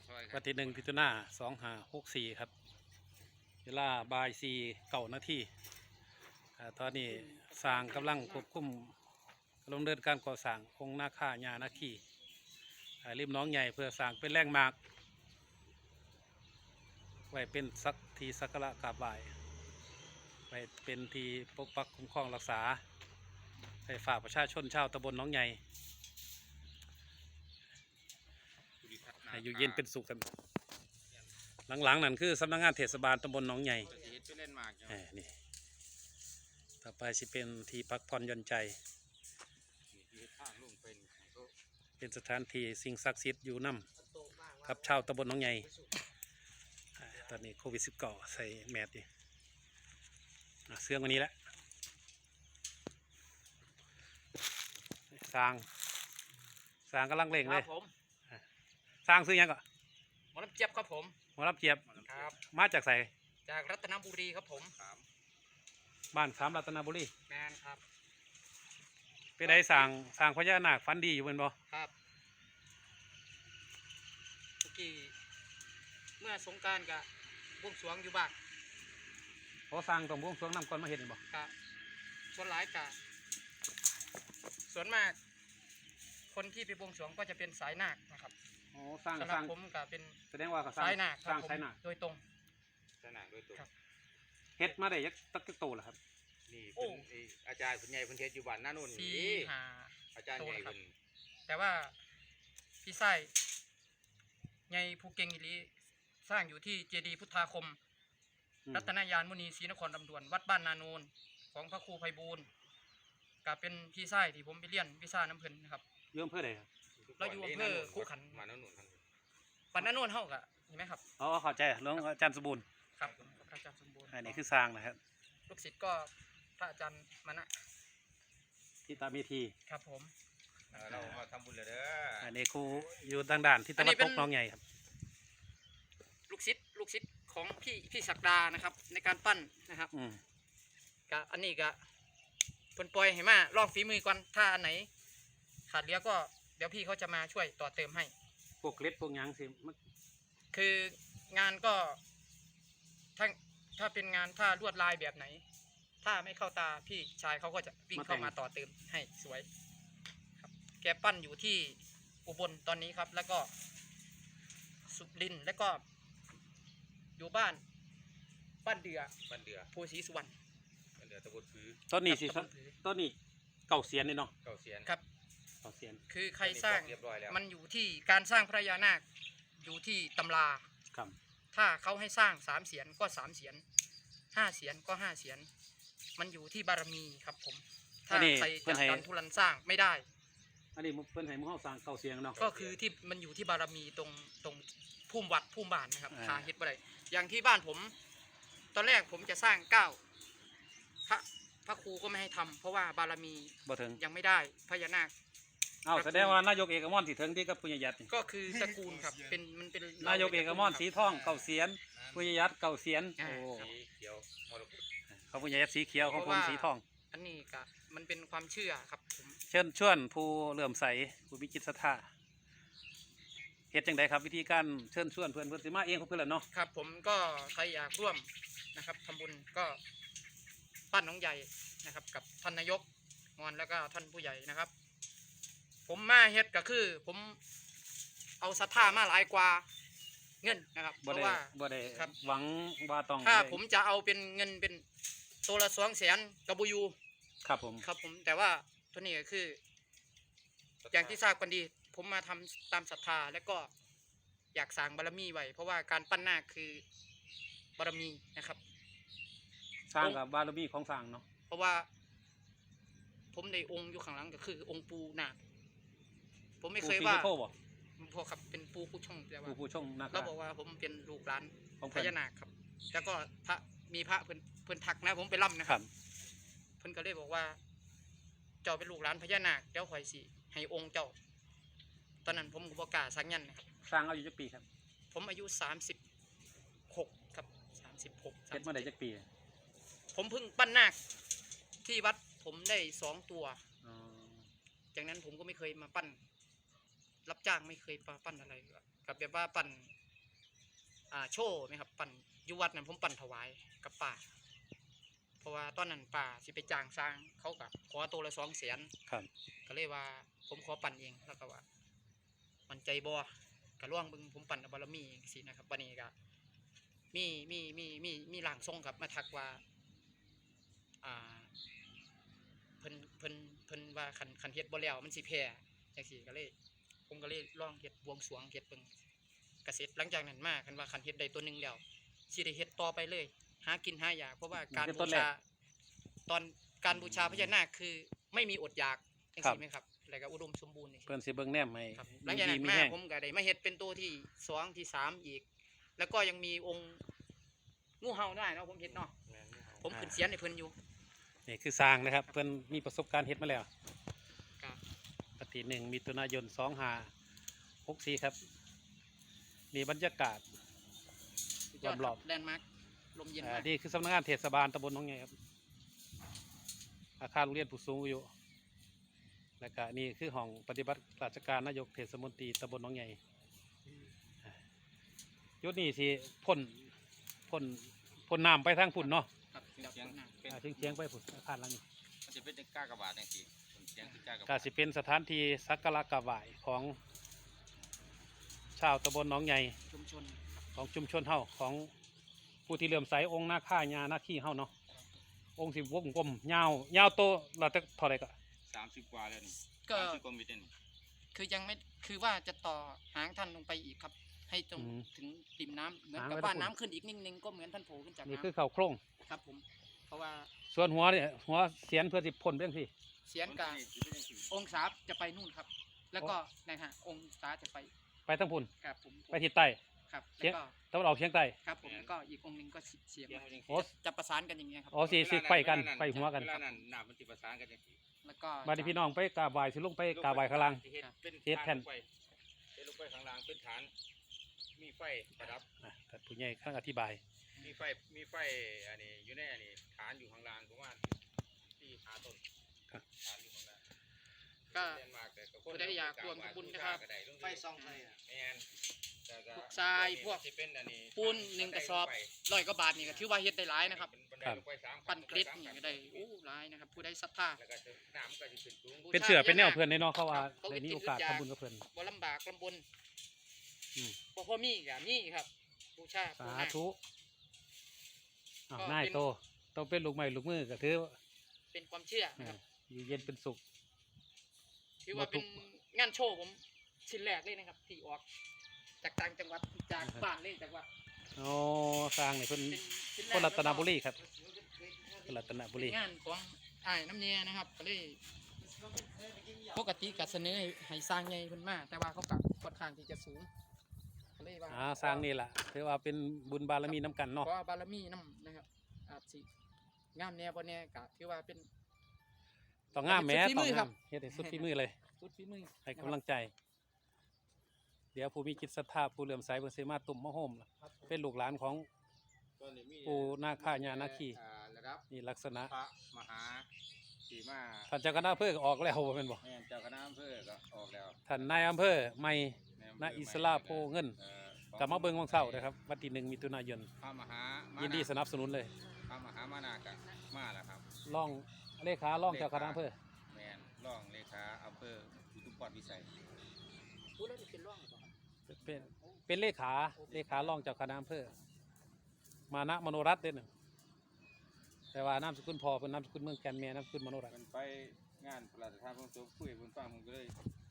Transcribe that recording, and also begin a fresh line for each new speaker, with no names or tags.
วันที่1 มิถุนายน 2564ครับเวลาบ่าย4:09 น.ตอนนี้สร้างกำลังควบคุมดำเนินการก่อสร้างองค์นาคาญานาคีริมหนองใหญ่เพื่อสร้างเป็นแหล่งหมากไว้เป็นที่สักการะกราบไหว้ไว้เป็นที่ปกปักคุ้มครองรักษาให้ฝ่ากประชาชนชาวตำบลหนองใหญ่ให้อยู่เย็นเป็นสุขกันหลังๆนั่นคือสำนักงานเทศบาลตำบลหนองใหญ่นี่ต่อไปสิเป็นที่พักผ่อนหย่อนใจเป็นสถานที่สิ่งศักดิ์สิทธิ์อยู่นำกับชาวตำบลหนองใหญ่ตอนนี้โควิด-19ใส่แมสดิเสื้อวันนี้แหละสร้างกำลังเร่งเลยสร้างซื้อยังก่อน
หมอลำเจี๊ยบครับผม
หมอลำเจี๊ยบ
ครับ
มาจากใส่
จากรัตนบุรีครับผม
บ้าน3 รัตนบุรี
แมนครับ
เป็นไงสร้างพญานาคฟันดีอยู่เป็นบ่
ครับเมื่อกี้เมื่อสงกรานต์กับบวงสรวงอยู่บ้าน
เขาสร้างตรงบวงสรวงนำก่อนมาเห็นบ่
ครับส่วนหลายกะส่วนมากคนที่ไปบวงสรวงก็จะเป็นสายนาคนะครับ
สร้าง
ผมก็เป็น
แสดงว่า
สายนาค
สร้างสายนาค
โดยตรง
สายนาคโดยตรง
เฮ็ดมาได้ยักตักโตแล้วครับ
นี่เป็นอาจารย์ผู้ใหญ่เพิ่นเฮ็ดอยู่บ้านนาโน่นนี่อาจารย์ใหญ่เพิ่น
แต่ว่าพี่ไส้ใหญ่ภูเก็งอีหลีสร้างอยู่ที่เจดีย์พุทธาคมรัตนยานมุนีศรีนครลำดวนวัดบ้านนาโนนของพระครูไพบูลย์ก็เป็นพี่ไส้ที่ผมไปเรียนวิชาน้ำเพิ่นนะครับ
อยู่อำเภอใดครับ
เราอยู่อำเภอคู่ขัน
มานาโน่น
ปันนาโนนเฮากะเห็นไหมครับ
เข้าใจหลวงอาจารย์สมบูรณ์
ครับอาจารย์สมบูรณ์
อันนี้คือสร้างนะครับ
ลูกศิษย์ก็พระอาจารย์มานะ
ที่ตามีที
ครับผม
เรามาทำบุญเลยเด้อ
อันนี้ครูอยู่ทางด่านที่ตะวันตกหนองใหญ่ครับ
ลูกศิษย์ของพี่ศักดานะครับในการปั้นนะครับกะอันนี้กะเพิ่นปล่อยให้มาลองฝีมือก่อนถ้าอันไหนขาดเหลือก็เดี๋ยวพี่เขาจะมาช่วยต่อเติมให้
พวกเล็บพวกยังสิ
คืองานก็ถ้าเป็นงานถ้าลวดลายแบบไหนถ้าไม่เข้าตาพี่ชายเขาก็จะวิ่งเข้ามาต่อเติมให้สวยครับแกปั้นอยู่ที่อุบลตอนนี้ครับแล้วก็สุรินทร์แล้วก็อยู่บ้านเดือโพสีสุวรรณ
บ้านเดือตะบนพื้น
ต้นนี้เก่าเสียนเลยเนาะ
เก่าเสียน
ครับ
เก่าเสียน
คือใครสร้างมันอยู่ที่การสร้างพระยานาคอยู่ที่ตำรา
ครับ
ถ้าเขาให้สร้าง3 เสียนก็3 เสียน5 เสียนก็5 เสียนมันอยู่ที่บารมีครับผมถ้าใครจะดันทุรันสร้างไม่ได้
อันนี้เพิ่นให้หมู่เฮาสร้างเก่าเสียนเนาะ
ก็คือที่มันอยู่ที่บารมีตรงภูมิวัดภูมิบ้านนะครับหาเฮ็ดบ่ได้อย่างที่บ้านผมตอนแรกผมจะสร้างพระครูก็ไม่ให้ทำเพราะว่าบารมี
บ่ถึง
ยังไม่ได้พญานาค
แสดงว่านายกเอกมอนที่ถึงที่กับปุญญยัต
ก็คือตระกูลครับมันเป็น
นายกเอกมอนสีทองเก่าเสียนปุญญยัตเก่าเสียน
สีเขียวมรกต
เขาปุญญยัตสีเขียวของผมสีทอง
อันนี้ก็มันเป็นความเชื่อครับผม
เชิญชวนผู้เลื่อมใสผู้มีจิตศรัทธาเหตุจังใดครับวิธีการเชิญชวนเพื่อนสิมาเองของเพื่อนเนาะ
ครับผมก็ใครอยากร่วมนะครับทำบุญก็ปั้นน้องใหญ่นะครับกับท่านนายกงอนแล้วก็ท่านผู้ใหญ่นะครับผมมาเฮ็ดก็คือผมเอาศรัทธามาหลายกว่าเงินนะครับเพราะว่า
บ่ได้หวังว่าต้อง
ถ้าผมจะเอาเป็นเงินเป็นตัวละ200,000กระบุยู
ครับผม
แต่ว่าตัวนี้ก็คืออย่างที่ทราบกันดีผมมาทำตามศรัทธาและก็อยากสร้างบารมีไว้เพราะว่าการปั้นนาคคือบารมีนะครับ
สร้างกับบารมีของสร้างเนาะ
เพราะว่าผมในองค์อยู่ข้างหลังก็คือองค์ปูนาคผมไม่เคยว่าพ่อครับเป็นปูผู้ช่องแต่ว่า
ปูช่องนาค
เราบอกว่าผมเป็นลูกหลานพญานาคครับแล้วก็มีพระเพิ่นทักนะผมไปล่ำนะครับเพิ่นก็เลยบอกว่าเจ้าเป็นลูกหลานพญานาคเดี๋ยวข่อยสิให้องค์เจ้าตอนนั้นผมก็บอกกล้าสังยันนะครับ
สร้างอายุจักปีครับ
ผมอายุ36ครับ36
เฮ็ดมาได้จักปี
ผมเพิ่งปั้นนาคที่วัดผมได้2 ตัวจากนั้นผมก็ไม่เคยมาปั้นรับจ้างไม่เคยปั้นอะไรกับแบบว่าปั้นโชว์ไหมครับปั่นอยู่วัดนั้นผมปั่นถวายกับป่าเพราะว่าตอนนั้นป่าสิไปจ้างสร้างเขาก็ขอตัวละ200,000
ครับ
ก็เลยว่าผมขอปั่นเองแล้วก็ว่ามันใจบ่ก็ล่วงเบิ่งผมปั่นเอาบารมีสินะครับวันนี้ก็มีหลังทรงครับมาทักว่าเพิ่นว่าคันเฮ็ดบ่แล้วมันสิแพ้จังซี่ก็เลยผมก็เลยลองเฮ็ดบวงสรวงเฮ็ดเบิ่งก็เสร็จหลังจากนั้นมาคันว่าคันเฮ็ดได้ตัวหนึงแล้วสิได้เฮ็ดต่อไปเลยหากินหาอยากเพราะว่าการบูชาตอนการบูชาพญานาคคือไม่มีอดอยากจังซี่ไหมครับแล้วก็อุดมสมบูรณ์นี่
เพิ่นสิเบิ่งแนมให้
ครับหลังจากนั้น
มี
มา
แห้ง
ผมก็ได้มาเฮ็ดเป็นตัวที่2ที่3อีก แล้วก็ยังมีองค์งูเห่าได้เนาะผมเฮ็ดเนาะผมขึ้นเสียนให้เพิ่นอยู่
นี่คือสร้างนะครับเพิ่นมีประสบการณ์เฮ็ดมาแล้ว
ครับ
ปฏิ1มิถุนายน2564ครับนี่บรรยากาศ รอบๆ
แลนด์มาร์คลมเย็นมาก
นี่คือสำนักงานเทศบาลตำบลหนองใหญ่ครับอาคารโรงเรียนผู้สูงอายุและก็นี่คือห้องปฏิบัติราชการนายกเทศมนตรีตำบลหนองใหญ่ยุดนี้สิพ่นน้ำไปทางฝุ่นเนาะ
ครับ
เสียงเป็น
เชียงไปฝุ่นอาคารหลังนี้
มันจะเป็นกากบาทจังซี่เสียงคือกากบา
ก็
ท
สิเป็นสถานที่สักการะกราบไหว้ของชาวตำบลหนองใหญ่
ชุมชน
ของชุมชนเฮาของผู้ที่เลื่อมใสองค์นาค่าญานาคีเฮาเนาะองค์สิวงกลมยาวโตเราจะเท่าไหร่ก็
30 กว่าแล้วนี่
ก็
30 กว่ามิตรนี่
คือยังไม่คือว่าจะต่อหางท่านลงไปอีกครับ ให้ตรงถึงริมน้ำเหมือนกับว่าน้ำขึ้นอีกนิดนึงก็เหมือนท่านโผล่ขึ้นจาก
นี่
น้
คือเขาโครง
ำครับผมเพราะว่า
ส่วนหัวเนี่ยหัวเสียนเพื่อสิพ่นเรื่องที่
เสียนกับองศาจะไปนู่นครับ แล้วก็นะฮะองศาจะไป
ไปทั้งพุ่น
ครับผม
ไปทิศใต้
ครับ
เสีย
แล้วก็
ตะวันออกเฉียงใต้
ครับผมก็อีกองค์หนึงก็เสียบ
เสียง
มา
มันจัง
โอ้
ซี่
จะประสานกันอย่างเงี้ยครับ
อ๋อสิไฟกันไฟหัวกัน
เวลานั้นน้ำมันสิประสานกันจังซี่
แล้วก็
มาที่พี่น้องไปกราบไหว้สิลงไปกราบไหว้ข้างล่าง
เฮ็ดเป็น
เฮ็ดแผ่น
ฐาลงไปเฮ็ดลงไปข้างล่างเป็นฐาน มีไฟประดับ
แต่ผู้ใหญ่ข้างอธิบาย
มีไฟอันนี้อยู่ในอันนี้ฐานอยู่ข้างล่างประมาณที่หาต้น
ครับ
ฐานอยู่ข้างล่าง
ก็
เรียนมากแต่ก็
ผู้ใดอยากร่วมทำบุญนะครับ
ไฟส่องไฟแม่นแต่ก็
พวกทรายพวก
ที่เป็นอันนี้
ปูน1 กระสอบ 100 กว่าบาทนี่ก็ถือว่าเฮ็ดได้หลายนะครับ
บันไดลงไปสามขั้
ปั้นเกล็ดนี่ก็ได้โอ้หลายนะครับ ผู้ใดศรัทธา
แล้วก็น้ำก็สิขึ้นสูง
เป็นเสือเป็นแนวเพื่อนในเนาะเขาว่าได้มีโอกาสทำบุญกับเพื่อน
บ่ลำบากลำบน
อืม
บ่พอมีก็มีครับบูชา
สา
ปู่นาค
ธุอ้าว
ก็
นาย
เป็น
โตต้องเป็นลูกไม้ลูกมือก็ถือ
เป็นความเชื่อนะครับ
อยู่เย็นเป็นสุข
ถือว่า
บ่ทุ
เป็น
ก
งานโชว์ผมชิ้นแรกเลยนะครับที่ออกจากต่างจังหวัดจากบ้านเลยจากว่า
อ๋อสร้างนี่เพิ่น
เป็นชิ้นแรก
คนรัตนบุรีครับคนรัตนบุ
เป็
รี
นงานของอ้ายน้ำเนียนะครับก็เลยปกติก็เสนอให้สร้างใหญ่เพิ่นมาแต่ว่าเขาก็ค่อนข้างที่จะสูงก็เลยว่า
สร้างนี่แหละถือว่าเป็นบุญบารมีน้ำกันเนาะ
ขอบารมีน้ำนะครับอาจสิงามแน่บ่แน่ก็ถือว่าเป็น
ต้องงามแหม้
สุดฝี
ต้อ
มื
ง
อครั
งา
บ
มเฮ็ดให้สุดฝีมือเลย
สุดฝีมือ
ให้กำลังใจ เดี๋ยวผู้มีจิตศรัทธาผู้เหลื่อมใสเพิ่นสิมาตุ่มมาโฮมล่ะเป็นลูกหลานของ
ตอนนี้มี
ปู่นาคาญานาคี
ระดับ
นี่ลักษณะ
พระมหาสีมา
ท่านเจ้าคณะอำเภอก็ออกแล้วบ่แม่นบ่
แม่นเจ้าคณะอำเภอก็ออกแล้ว
ท่านนายอำเภอใหม่
ในอำเภ
ณ
อ
อิสราโพเงิน กลับมาเบิ่งวังเสาร์นะครับวันที่1มิถุนายน
พระมหามา
ยินดีสนับสนุนเลย
พระมหามานากะมาแล้วครับ
ร่องเลขาร่องเจ้าคณะอำเภอ
แม่นรองเลขาอำเภออุทุมพรพิสัย
พูดแล้วนี่เป็นร่องหรือเปล่าครับ
เป็นเลขาร่องเจ้าคณะอำเภอมานะมโนรัตน์เด้อน่ะแต่ว่านามสกุลพ่อเป็นนามสกุลเมืองแก่นแม่นามสกุลมโนรัตน์
มันไปงานพระราชทานเพลิงศพคุยบนฟังผมก็เลย